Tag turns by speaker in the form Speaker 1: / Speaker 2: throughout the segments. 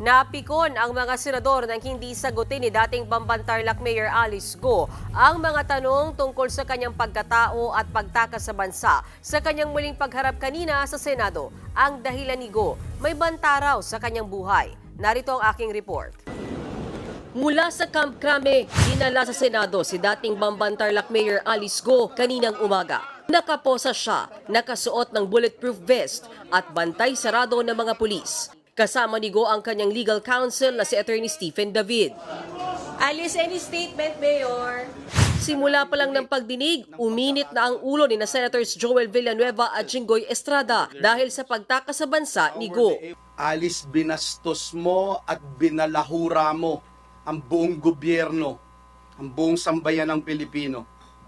Speaker 1: Napikon ang mga senador nang hindi sagutin ni dating Bamban-Tarlac Mayor Alice Go ang mga tanong tungkol sa kanyang pagkatao at pagtakas sa bansa sa kanyang muling pagharap kanina sa Senado. Ang dahilan ni Go, may banta raw sa kanyang buhay. Narito ang aking report. Mula sa Camp Crame, dinala sa Senado si dating Bamban-Tarlac Mayor Alice Go kaninang umaga. Nakaposa siya, nakasuot ng bulletproof vest at bantay sarado ng mga pulis. Kasama ni Go ang kanyang legal counsel na si Attorney Stephen David.
Speaker 2: Alice, any statement, Mayor?
Speaker 1: Simula pa lang ng pagdinig, uminit na ang ulo ni na Senators Joel Villanueva at Jinggoy Estrada dahil sa pagtakas sa bansa ni Go.
Speaker 3: Alice, binastos mo at binalahura mo ang buong gobyerno, ang buong sambayan ng Pilipino.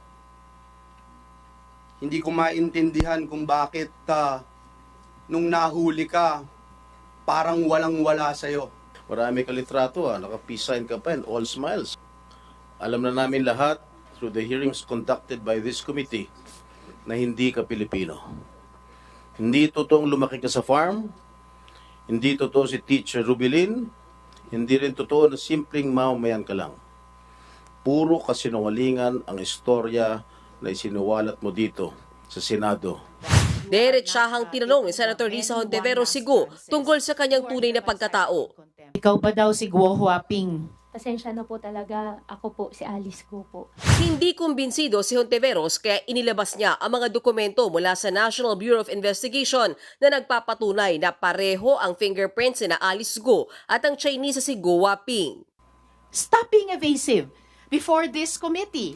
Speaker 3: Hindi ko maintindihan kung bakit nung nahuli ka, parang walang-wala sa'yo.
Speaker 4: Marami ka litrato, naka-peace sign ka pa and all smiles. Alam na namin lahat through the hearings conducted by this committee na hindi ka Pilipino. Hindi totoong lumaki ka sa farm, hindi totoo si Teacher Rubilin, hindi rin totoo na simpleng mamamayan ka lang. Puro kasinungalingan ang istorya na isinuwalat mo dito sa Senado.
Speaker 1: Diretsahang tinanong ni Senator Risa Hontiveros si Go tungkol sa kanyang tunay na pagkatao.
Speaker 5: Ikaw ba daw si Guo Huaping?
Speaker 6: Pasensya na po talaga, ako po si Alice Go po.
Speaker 1: Hindi kumbinsido si Hontiveros kaya inilabas niya ang mga dokumento mula sa National Bureau of Investigation na nagpapatunay na pareho ang fingerprints ni na Alice Go at ang Chinese si Go Huaping.
Speaker 5: Stop being evasive before this committee.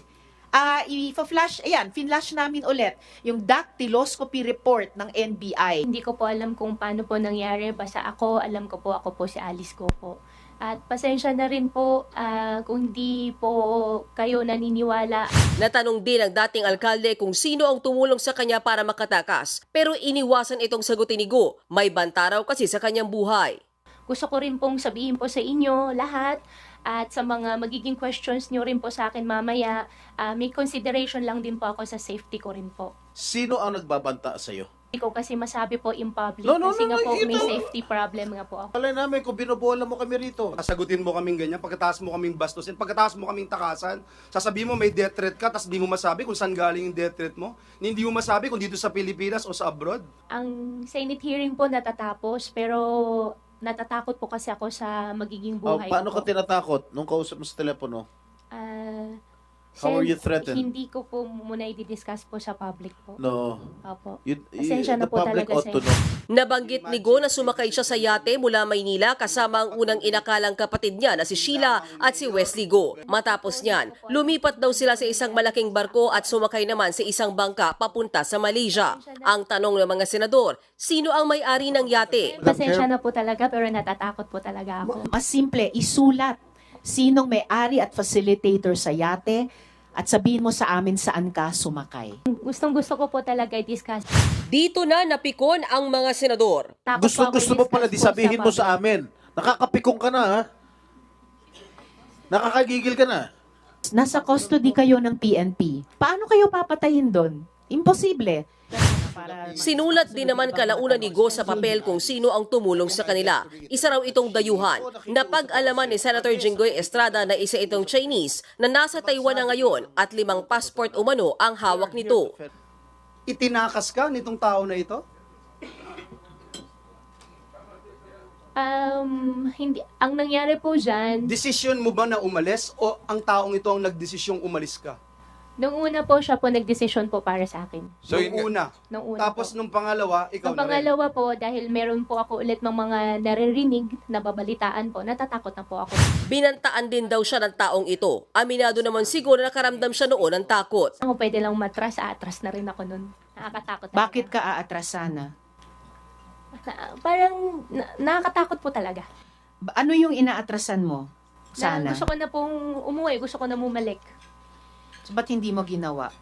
Speaker 5: Finlash namin ulit yung dactyloscopy report ng NBI.
Speaker 6: Hindi ko po alam kung paano po nangyari, basta alam ko po si Alice Go po. At pasensya na rin po kung hindi po kayo naniniwala.
Speaker 1: Natanong din ang dating alkalde kung sino ang tumulong sa kanya para makatakas. Pero iniwasan itong sagutin ni Go. May banta raw kasi sa kanyang buhay.
Speaker 6: Gusto ko rin pong sabihin po sa inyo lahat at sa mga magiging questions nyo rin po sa akin mamaya, may consideration lang din po ako sa safety ko rin po.
Speaker 4: Sino ang nagbabanta sa iyo?
Speaker 6: Hindi ko kasi masabi po in public
Speaker 4: No,
Speaker 6: kasi nga po may
Speaker 4: ito.
Speaker 6: safety problem nga po ako.
Speaker 4: Alay namin kung binobola mo kami rito.
Speaker 3: Sasagutin mo kaming ganyan, pagkatapos mo kaming bastusin, pagkatapos mo kaming takasan, sasabihin mo may death threat ka, tapos di mo masabi kung saan galing yung death threat mo. Hindi mo masabi kung dito sa Pilipinas o sa abroad.
Speaker 6: Ang Senate hearing po natatapos pero natatakot po kasi ako sa magiging buhay
Speaker 4: Paano
Speaker 6: ko
Speaker 4: ka tinatakot nung kausap mo sa telepono? How
Speaker 6: Sen,
Speaker 4: are you threatened?
Speaker 6: Hindi ko po muna i-discuss po sa public po.
Speaker 4: No.
Speaker 6: Opo.
Speaker 4: The
Speaker 6: Pasensya na po
Speaker 4: public
Speaker 6: talaga,
Speaker 4: ought to
Speaker 6: Sen.
Speaker 4: know.
Speaker 1: Nabanggit ni Go na sumakay siya sa yate mula Maynila kasama ang unang inakalang kapatid niya na si Sheila at si Wesley Go. Matapos niyan, lumipat daw sila sa isang malaking barko at sumakay naman sa isang bangka papunta sa Malaysia. Ang tanong ng mga senador, sino ang may-ari ng yate?
Speaker 6: Pasensya na po talaga pero natatakot po talaga ako.
Speaker 5: Mas simple, isulat sinong may-ari at facilitator sa yate at sabihin mo sa amin saan ka sumakay.
Speaker 6: Gustong-gusto ko po talaga i-discuss.
Speaker 1: Dito na napikon ang mga senador.
Speaker 6: Takot po ako
Speaker 4: Gusto mo pala
Speaker 6: i-discuss
Speaker 4: di
Speaker 6: po
Speaker 4: sabihin mo sa
Speaker 6: public.
Speaker 4: amin. Nakakapikong ka na, ha? Nakakagigil ka na.
Speaker 5: Nasa custody kayo ng PNP. Paano kayo papatayin doon? Imposible.
Speaker 1: Sinulat din naman kalaunan ni Go sa papel kung sino ang tumulong sa kanila. Isa raw itong dayuhan. Napag-alaman ni Senator Jinggoy Estrada na isa itong Chinese na nasa Taiwan na ngayon at 5 passport umano ang hawak nito.
Speaker 3: Itinakas ka nitong tao na ito?
Speaker 6: Hindi, ang nangyari po dyan,
Speaker 3: Desisyon mo ba na umalis o ang taong ito ang nagdesisyong umalis ka?
Speaker 6: nung una po siya po nagdesisyon po para sa akin.
Speaker 3: Nung una.
Speaker 6: Nung una
Speaker 3: Tapos
Speaker 6: po.
Speaker 3: nung pangalawa, ikaw
Speaker 6: Ang
Speaker 3: na rin.
Speaker 6: pangalawa po, dahil meron po ako ulit ng mga naririnig, nababalitaan po, natatakot na po ako.
Speaker 1: Binantaan din daw siya ng taong ito. Aminado naman siguro na nakaramdam siya noon ng takot.
Speaker 6: Ako pwede lang matras, atras na rin ako nun. Nakakatakot talaga.
Speaker 5: Bakit ka aatrasana?
Speaker 6: Parang nakakatakot po talaga.
Speaker 5: Ano yung inaatrasan mo?
Speaker 6: Na
Speaker 5: Sana.
Speaker 6: gusto ko na pong umuwi, gusto ko na bumalik.
Speaker 5: So, ba't hindi mo ginawa?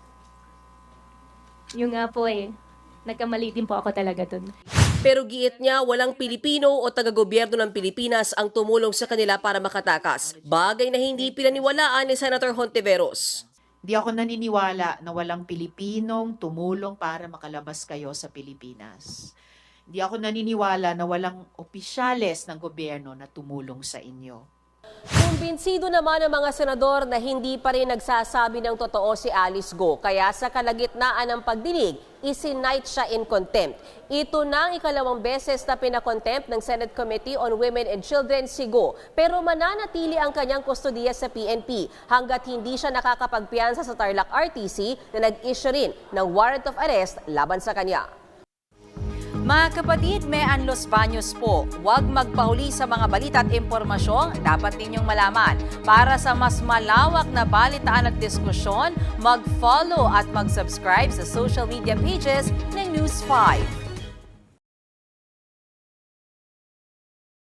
Speaker 6: Yung nga po nagkamali din po ako talaga dun.
Speaker 1: Pero giit niya walang Pilipino o taga-gobyerno ng Pilipinas ang tumulong sa kanila para makatakas. Bagay na hindi pinaniwalaan ni Senator Hontiveros.
Speaker 5: Di ako naniniwala na walang Pilipinong tumulong para makalabas kayo sa Pilipinas. Hindi ako naniniwala na walang opisyales ng gobyerno na tumulong sa inyo.
Speaker 1: Kumbinsido naman ang mga senador na hindi pa rin nagsasabi ng totoo si Alice Go. Kaya sa kalagitnaan ng pagdinig, isinight siya in contempt. Ito na ang ikalawang beses na pinakontempt ng Senate Committee on Women and Children si Go. Pero mananatili ang kanyang kustodiya sa PNP hanggat hindi siya nakakapagpiyansa sa Tarlac RTC na nag-issue rin ng warrant of arrest laban sa kanya.
Speaker 7: Mga kapatid, Mean Los Baños po. Huwag magpahuli sa mga balita at impormasyong dapat ninyong malaman. Para sa mas malawak na balitaan at diskusyon, mag-follow at mag-subscribe sa social media pages ng News 5.